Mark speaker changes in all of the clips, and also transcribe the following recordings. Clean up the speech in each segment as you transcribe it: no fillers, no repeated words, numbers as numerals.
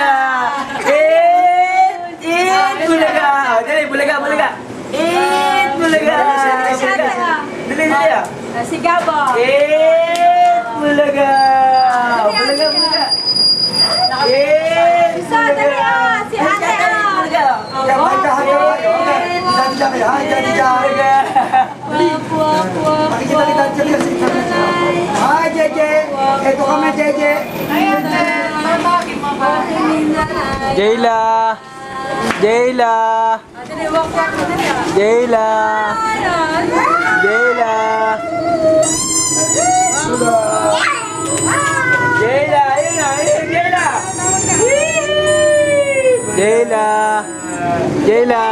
Speaker 1: Bulaga! Eat Bulaga! Oh, dali, Bulaga, Bulaga! Eat Bulaga! Dali, dali ah!
Speaker 2: Si Gabo.
Speaker 1: Eat Bulaga! Bulaga, Bulaga! Eat
Speaker 2: Isa, dali ah. Si ate ah.
Speaker 1: Bulaga!
Speaker 3: Makikita kita dyan kasi Hi, Jeje! Ito kami, Jeje!
Speaker 1: Jayla! Jayla!
Speaker 2: Dali, walk. Dali ah.
Speaker 1: Jayla! Jayla! Jayla! Ayun na! Ayun! Jayla! Jayla! Jayla!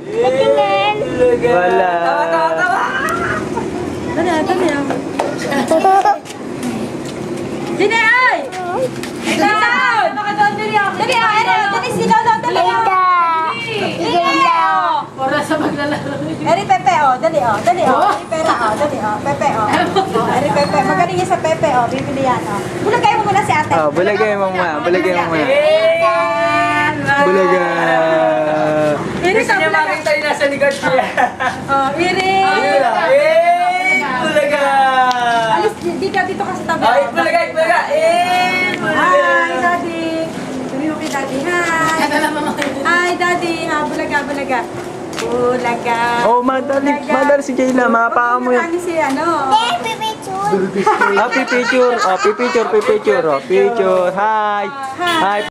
Speaker 1: Wala!
Speaker 2: Dali ah, dali ah. Dali ay! Down! Dali ah, dali sila daw, dali ah. Para sa maglalaro. Eri Pepe oh, dali oh, dali oh. Eri Pera oh, dali oh. Pepe oh. Eri Pepe, magaling yan sa Pepe oh, bibili yan oh. Bulagay mo muna si ate.
Speaker 1: Oh, bulagay mo muna. Bulagay mo muna. Bulaga!
Speaker 2: Eri
Speaker 1: Gusto
Speaker 2: sa
Speaker 1: niya
Speaker 2: Bulaga.
Speaker 1: makita yung nasa likod niya.
Speaker 2: Oh, Eri.
Speaker 1: Ayun na! Bulaga!
Speaker 2: Alis, di ka dito kasi tabi.
Speaker 1: Ay, Bulaga! Bulaga! Bulaga!
Speaker 2: Hi, Daddy. Sabi mo kay Daddy, hi. Hi, Daddy. Ha, Bulaga, Bulaga. Bulaga.
Speaker 1: Oh, madali si Jayla. Mapaka mo yan.
Speaker 2: Ano si ano?
Speaker 1: Ah, pipicture. Oh, pipicture. Oh, picture. Hi. Hi.